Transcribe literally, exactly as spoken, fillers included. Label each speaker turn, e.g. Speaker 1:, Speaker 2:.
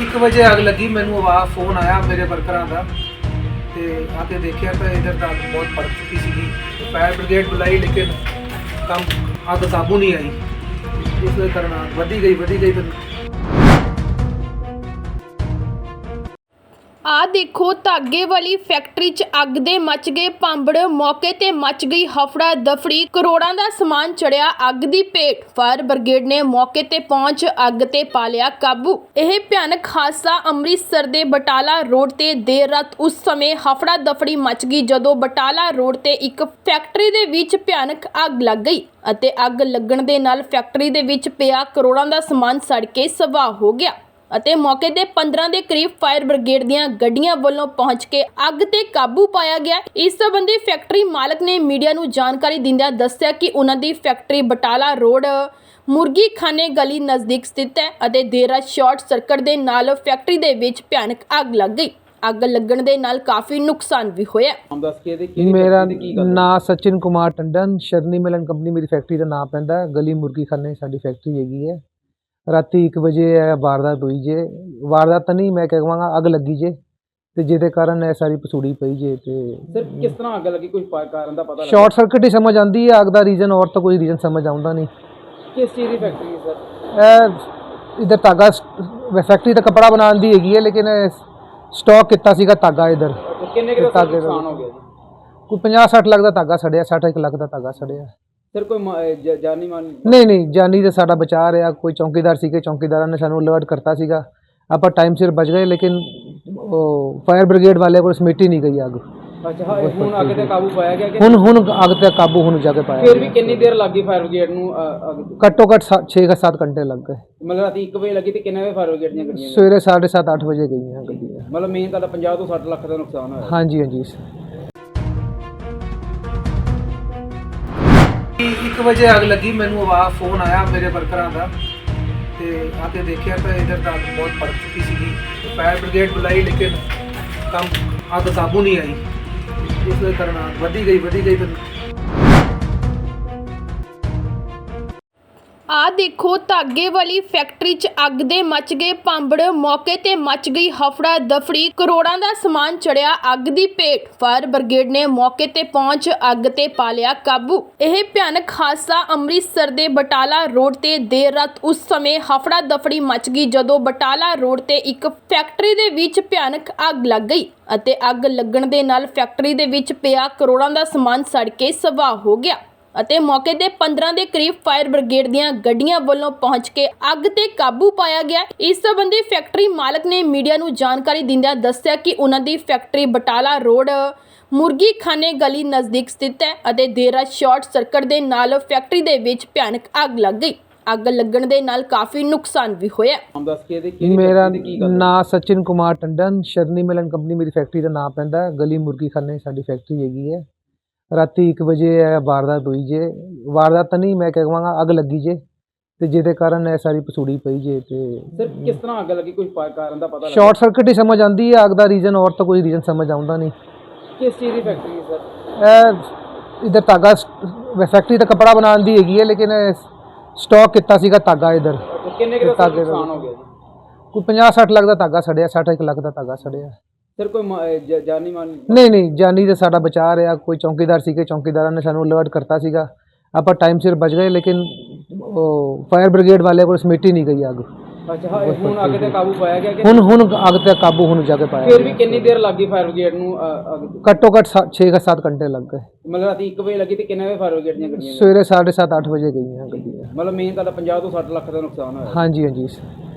Speaker 1: एक बजे अग लगी, मैनू आवाज़ फोन आया मेरे वर्करां का, तो आके देखा तो इधर तो अग बहुत पड़ चुकी सी। फायर ब्रिगेड बुलाई लेकिन कम अग काबू नहीं आई। इस करना वधी गई वधी गई तो
Speaker 2: आ देखो धागे वाली फैक्ट्री च अग दे मच गए भांबड़, मौके ते मच गई हफड़ा दफड़ी, करोड़ां दा समान चढ़िया अग दी भेट। फायर ब्रिगेड ने मौके ते पहुंच अग ते पा लिया काबू। यह भयानक हादसा अमृतसर दे बटाला रोड ते देर रात उस समय हफड़ा दफड़ी मच गई जदों बटाला रोड ते एक फैक्ट्री दे विच भयानक अग लग गई अते अग लगण दे नाल फैक्ट्री दे विच पिया करोड़ां दा समान सड़ के सवाह हो गया ਅਤੇ मौके ਤੇ पंद्रह ਦੇ ਕਰੀਬ फायर ब्रिगेड ਦੀਆਂ ਗੱਡੀਆਂ ਵੱਲੋਂ ਪਹੁੰਚ ਕੇ ਅੱਗ ਤੇ ਕਾਬੂ ਪਾਇਆ ਗਿਆ। ਇਸ ਸੰਬੰਧੀ ਫੈਕਟਰੀ ਮਾਲਕ ਨੇ ਮੀਡੀਆ ਨੂੰ ਜਾਣਕਾਰੀ ਦਿੰਦਿਆਂ ਦੱਸਿਆ ਕਿ ਉਹਨਾਂ ਦੀ ਫੈਕਟਰੀ ਬਟਾਲਾ ਰੋਡ ਮੁਰਗੀ ਖਾਨੇ ਗਲੀ ਨਜ਼ਦੀਕ ਸਥਿਤ ਹੈ ਅਤੇ ਦੇਰ ਰਾਤ ਸ਼ਾਰਟ ਸਰਕਟ ਦੇ ਨਾਲ ਫੈਕਟਰੀ ਦੇ ਵਿੱਚ ਭਿਆਨਕ ਅੱਗ ਲੱਗ ਗਈ। ਅੱਗ ਲੱਗਣ ਦੇ ਨਾਲ ਕਾਫੀ ਨੁਕਸਾਨ ਵੀ ਹੋਇਆ।
Speaker 3: ਮੇਰਾ ਨਾਂ ਸਚਿਨ ਕੁਮਾਰ ਟੰਡਨ, ਸ਼ਰਨੀ ਮਿਲਨ ਕੰਪਨੀ ਮੇਰੀ ਫੈਕਟਰੀ ਦਾ ਨਾਮ ਪੈਂਦਾ। ਗਲੀ ਮੁਰਗੀ ਖਾਨੇ ਸਾਡੀ ਫੈਕਟਰੀ ਹੈਗੀ ਹੈ। ਰਾਤੀ ਇੱਕ ਵਜੇ ਇਹ ਵਾਰਦਾਤ ਹੋਈ ਜੇ। ਵਾਰਦਾਤ ਤਾਂ ਨਹੀਂ, ਮੈਂ ਕਹਿ ਕਹਾਂਗਾ ਅੱਗ ਲੱਗੀ ਜੇ ਤੇ ਜਿਹਦੇ ਕਾਰਨ ਇਹ ਸਾਰੀ ਪਸੂੜੀ ਪਈ ਜੇ। ਤੇ
Speaker 4: ਸਰ ਕਿਸ ਤਰ੍ਹਾਂ ਅੱਗ ਲੱਗੀ, ਕੋਈ ਕਾਰਨ ਦਾ ਪਤਾ ਲੱਗਾ?
Speaker 3: ਸ਼ਾਰਟ ਸਰਕਟ ਹੀ ਸਮਝ ਆਉਂਦੀ ਹੈ, ਅੱਗ ਦਾ ਰੀਜ਼ਨ ਔਰ ਤਾਂ ਕੋਈ ਰੀਜ਼ਨ ਸਮਝ ਆਉਂਦਾ ਨਹੀਂ।
Speaker 4: ਕਿਸ ਚੀਜ਼ ਦੀ ਫੈਕਟਰੀ ਹੈ ਸਰ?
Speaker 3: ਇਹ ਇਧਰ ਧਾਗਾ ਫੈਕਟਰੀ ਤਾਂ ਕੱਪੜਾ ਬਣਾਉਣ ਦੀ ਹੈਗੀ ਹੈ, ਲੇਕਿਨ ਸਟਾਕ ਕੀਤਾ ਸੀਗਾ ਧਾਗਾ ਇਧਰ।
Speaker 4: ਕਿੰਨੇ ਕੁ ਦਾ ਨੁਕਸਾਨ ਹੋ ਗਿਆ ਜੀ?
Speaker 3: ਕੋਈ ਪੰਜਾਹ ਸੱਠ ਲੱਖ ਦਾ ਧਾਗਾ ਸੜਿਆ, ਸੱਠ ਇੱਕ ਲੱਖ ਦਾ ਧਾਗਾ ਸੜਿਆ।
Speaker 4: ਸਰ ਕੋਈ ਜਾਨੀ ਮਾਨੀ?
Speaker 3: ਨਹੀਂ ਨਹੀਂ, ਜਾਨੀ ਤਾਂ ਸਾਡਾ ਬਚਾ ਰਿਹਾ। ਕੋਈ ਚੌਕੀਦਾਰ ਸੀਗੇ, ਚੌਕੀਦਾਰਾਂ ਨੇ ਸਾਨੂੰ ਅਲਰਟ ਕਰਤਾ ਸੀਗਾ, ਆਪਾਂ ਟਾਈਮ ਸਿਰ ਬਚ ਗਏ। ਲੇਕਿਨ ਉਹ ਫਾਇਰ ਬ੍ਰਿਗੇਡ ਵਾਲੇ ਕੋਲ ਸਮਿਟ ਹੀ ਨਹੀਂ ਗਈ ਅੱਗ।
Speaker 4: ਅੱਛਾ, ਹੁਣ ਅੱਗ ਤੇ ਕਾਬੂ ਪਾਇਆ ਗਿਆ ਕਿ
Speaker 3: ਹੁਣ ਹੁਣ ਅੱਗ ਤੇ ਕਾਬੂ ਹੁਣ ਜਾ ਕੇ ਪਾਇਆ।
Speaker 4: ਫਿਰ ਵੀ ਕਿੰਨੀ ਦੇਰ ਲੱਗੀ ਫਾਇਰ ਬ੍ਰਿਗੇਡ ਨੂੰ ਅੱਗ?
Speaker 3: ਘੱਟੋ ਘੱਟ ਛੇ ਜਾਂ ਸੱਤ ਘੰਟੇ ਲੱਗ ਗਏ।
Speaker 4: ਮਤਲਬ ਰਾਤੀ ਇੱਕ ਵਜੇ ਲੱਗੀ ਤੇ ਕਿੰਨੇ ਵਜੇ ਫਾਇਰ ਬ੍ਰਿਗੇਡ ਦੀਆਂ ਗੱਡੀਆਂ?
Speaker 3: ਸਵੇਰੇ ਸਾਢੇ ਸੱਤ ਅੱਠ ਵਜੇ ਗਈਆਂ ਗੱਡੀਆਂ।
Speaker 4: ਮਤਲਬ ਮੇਨ ਤਾਂ ਪੰਜਾਹ ਤੋਂ ਸੱਠ ਲੱਖ ਦਾ ਨੁਕਸਾਨ ਹੋਇਆ।
Speaker 3: ਹਾਂਜੀ ਹਾਂਜੀ।
Speaker 1: एक बजे अग लगी, मैनू आवाज़ फोन आया मेरे वर्करां का, तो आके देखा तो इधर तो अग बहुत पड़ चुकी सी। फायर ब्रिगेड बुलाई लेकिन कम अग काबू नहीं आई। इस करना वधी गई वधी गई तो
Speaker 2: आ देखो धागे वाली फैक्ट्री च अग दे मच गए भांबड़, मौके ते मच गई हफड़ा दफड़ी, करोड़ां दा समान चढ़िया अग दी भेट। फायर ब्रिगेड ने मौके ते पहुंच अग ते पा लिया काबू। यह भयानक हादसा अमृतसर दे बटाला रोड ते देर रात उस समय हफड़ा दफड़ी मच गई जदों बटाला रोड ते एक फैक्ट्री दे विच भयानक अग लग गई ਅਤੇ ਅੱਗ ਲੱਗਣ ਦੇ ਨਾਲ ਫੈਕਟਰੀ ਦੇ ਵਿੱਚ ਪਿਆ ਕਰੋੜਾਂ ਦਾ ਸਮਾਨ ਸੜ ਕੇ ਸਵਾਹ ਹੋ ਗਿਆ ਅਤੇ ਮੌਕੇ ਤੇ ਪੰਦਰਾਂ ਦੇ ਕਰੀਬ ਫਾਇਰ ਬ੍ਰਿਗੇਡ ਦੀਆਂ ਗੱਡੀਆਂ ਵੱਲੋਂ ਪਹੁੰਚ ਕੇ ਅੱਗ ਤੇ ਕਾਬੂ ਪਾਇਆ ਗਿਆ। ਇਸ ਸੰਬੰਧੀ ਫੈਕਟਰੀ ਮਾਲਕ ਨੇ ਮੀਡੀਆ ਨੂੰ ਜਾਣਕਾਰੀ ਦਿੰਦਿਆਂ ਦੱਸਿਆ ਕਿ ਉਹਨਾਂ ਦੀ ਫੈਕਟਰੀ ਬਟਾਲਾ ਰੋਡ ਮੁਰਗੀ ਖਾਨੇ ਗਲੀ ਨਜ਼ਦੀਕ ਸਥਿਤ ਹੈ ਅਤੇ ਦੇਰ ਰਾਤ ਸ਼ਾਰਟ ਸਰਕਟ ਦੇ ਨਾਲ ਫੈਕਟਰੀ ਦੇ ਵਿੱਚ ਭਿਆਨਕ ਅੱਗ ਲੱਗ ਗਈ। ਅੱਗ ਲੱਗਣ ਦੇ ਨਾਲ ਕਾਫੀ ਨੁਕਸਾਨ ਵੀ ਹੋਇਆ।
Speaker 3: ਮੇਰਾ ਨਾਂ ਸਚਿਨ ਕੁਮਾਰ ਟੰਡਨ, ਸ਼ਰਨੀ ਮਿਲਨ ਕੰਪਨੀ ਮੇਰੀ ਫੈਕਟਰੀ ਦਾ ਨਾਮ ਪੈਂਦਾ। ਗਲੀ ਮੁਰਗੀ ਖਾਨੇ ਸਾਡੀ ਫੈਕਟਰੀ ਹੈਗੀ ਹੈ। ਰਾਤੀ ਇੱਕ ਵਜੇ ਇਹ ਵਾਰਦਾਤ ਹੋਈ ਜੇ। ਵਾਰਦਾਤ ਤਾਂ ਨਹੀਂ, ਮੈਂ ਕਹਿ ਕਹਾਂਗਾ ਅੱਗ ਲੱਗੀ ਜੇ ਤੇ ਜਿਹਦੇ ਕਾਰਨ ਇਹ ਸਾਰੀ ਪਸੂੜੀ ਪਈ ਜੇ। ਤੇ
Speaker 4: ਸਰ ਕਿਸ ਤਰ੍ਹਾਂ ਅੱਗ ਲੱਗੀ, ਕੋਈ ਕਾਰਨ ਦਾ ਪਤਾ ਲੱਗਾ?
Speaker 3: ਸ਼ਾਰਟ ਸਰਕਟ ਹੀ ਸਮਝ ਆਉਂਦੀ ਹੈ, ਅੱਗ ਦਾ ਰੀਜ਼ਨ ਔਰ ਤਾਂ ਕੋਈ ਰੀਜ਼ਨ ਸਮਝ ਆਉਂਦਾ ਨਹੀਂ।
Speaker 4: ਕਿਸ ਚੀਜ਼ ਦੀ ਫੈਕਟਰੀ ਹੈ ਸਰ?
Speaker 3: ਇਹ ਇਧਰ ਧਾਗਾ ਫੈਕਟਰੀ ਤਾਂ ਕੱਪੜਾ ਬਣਾਉਣ ਦੀ ਹੈਗੀ ਹੈ, ਲੇਕਿਨ ਸਟਾਕ ਕੀਤਾ ਸੀਗਾ ਧਾਗਾ ਇਧਰ।
Speaker 4: ਕਿੰਨੇ ਕੁ ਦਾ ਨੁਕਸਾਨ ਹੋ ਗਿਆ ਜੀ?
Speaker 3: ਕੋਈ ਪੰਜਾਹ ਸੱਠ ਲੱਖ ਦਾ ਧਾਗਾ ਸੜਿਆ, ਸੱਠ ਇੱਕ ਲੱਖ ਦਾ ਧਾਗਾ ਸੜਿਆ।
Speaker 4: ਸਰ ਕੋਈ ਜਾਨੀ ਮਾਨੀ?
Speaker 3: ਨਹੀਂ ਨਹੀਂ, ਜਾਨੀ ਤਾਂ ਸਾਡਾ ਬਚਾ ਰਿਹਾ। ਕੋਈ ਚੌਕੀਦਾਰ ਸੀਗੇ, ਚੌਕੀਦਾਰਾਂ ਨੇ ਸਾਨੂੰ ਅਲਰਟ ਕਰਤਾ ਸੀਗਾ, ਆਪਾਂ ਟਾਈਮ ਸਿਰ ਬਚ ਗਏ। ਲੇਕਿਨ ਉਹ ਫਾਇਰ ਬ੍ਰਿਗੇਡ ਵਾਲੇ ਕੋਲ ਸਮਿਟ ਹੀ ਨਹੀਂ ਗਈ ਅੱਗ।
Speaker 4: ਅੱਛਾ, ਹੁਣ ਅੱਗ ਤੇ ਕਾਬੂ ਪਾਇਆ ਗਿਆ ਕਿ?
Speaker 3: ਹੁਣ ਹੁਣ ਅੱਗ ਤੇ ਕਾਬੂ ਹੁਣ ਜਾ ਕੇ ਪਾਇਆ।
Speaker 4: ਫਿਰ ਵੀ ਕਿੰਨੀ ਦੇਰ ਲੱਗੀ ਫਾਇਰ ਬ੍ਰਿਗੇਡ ਨੂੰ ਅੱਗ?
Speaker 3: ਘੱਟੋ ਘੱਟ ਛੇ ਜਾਂ ਸੱਤ ਘੰਟੇ ਲੱਗ ਗਏ।
Speaker 4: ਮਤਲਬ ਰਾਤੀ ਇੱਕ ਵਜੇ ਲੱਗੀ ਤੇ ਕਿੰਨੇ ਵਜੇ ਫਾਇਰ ਬ੍ਰਿਗੇਡ ਦੀਆਂ ਗੱਡੀਆਂ?
Speaker 3: ਸਵੇਰੇ ਸਾਢੇ ਸੱਤ ਅੱਠ ਵਜੇ ਗਈਆਂ ਗੱਡੀਆਂ।
Speaker 4: ਮਤਲਬ ਮੇਨ ਤਾਂ ਪੰਜਾਹ ਤੋਂ ਸੱਠ ਲੱਖ ਦਾ ਨੁਕਸਾਨ ਹੋਇਆ।
Speaker 3: ਹਾਂਜੀ ਹਾਂਜੀ।